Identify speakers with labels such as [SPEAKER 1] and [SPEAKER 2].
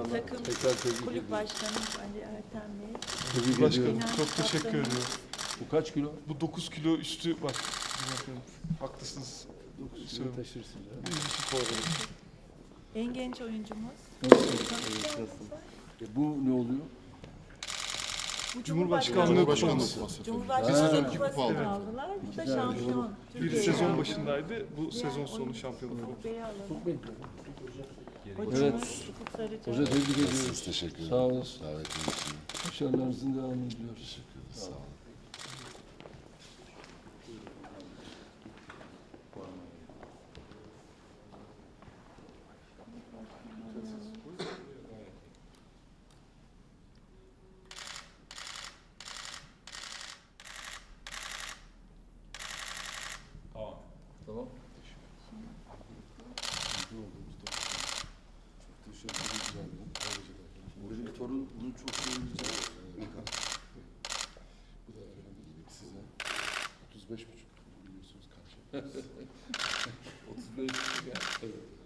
[SPEAKER 1] takım
[SPEAKER 2] Tekrar tebrik
[SPEAKER 1] kulüp
[SPEAKER 2] ediyorum.
[SPEAKER 1] başkanımız Ali Ertem Bey.
[SPEAKER 2] Tebrik
[SPEAKER 3] Başkanım
[SPEAKER 2] ediyorum.
[SPEAKER 3] çok teşekkür ediyorum.
[SPEAKER 2] Bu kaç kilo?
[SPEAKER 3] Bu 9 kilo üstü bak. Haklısınız.
[SPEAKER 2] 9 kilo
[SPEAKER 3] Söyle.
[SPEAKER 2] taşırsın ya.
[SPEAKER 3] İyi bir spor olarak.
[SPEAKER 1] En genç oyuncumuz.
[SPEAKER 2] Bu ne oluyor?
[SPEAKER 1] Bu
[SPEAKER 3] Cumhurbaşkanlığı
[SPEAKER 1] Cumhurbaşkanlığı
[SPEAKER 2] Ha.
[SPEAKER 1] kupasını aldılar. Bu da şampiyon.
[SPEAKER 3] Bir
[SPEAKER 1] Türkiye'yi
[SPEAKER 3] sezon
[SPEAKER 1] aldı.
[SPEAKER 3] başındaydı. Bu
[SPEAKER 1] Diğer
[SPEAKER 3] sezon sonu
[SPEAKER 1] oyuncu
[SPEAKER 3] şampiyonluk oldu.
[SPEAKER 1] Kupeyi alalım.
[SPEAKER 2] Evet.
[SPEAKER 1] Hocamız Ufuk Sarıca.
[SPEAKER 2] Hoca tebrik ediyoruz.
[SPEAKER 4] Siz teşekkür ederim.
[SPEAKER 2] Sağ olasın.
[SPEAKER 4] Davetiniz için.
[SPEAKER 2] Başarılarınızın devamını diliyoruz.
[SPEAKER 4] Sağ olun.
[SPEAKER 2] Tamam. Benim torun bunu çok sevecek.
[SPEAKER 4] Bu da önemli dedik size. 35,5 biliyorsunuz kaç yapıyoruz.
[SPEAKER 2] 35 ya. Evet.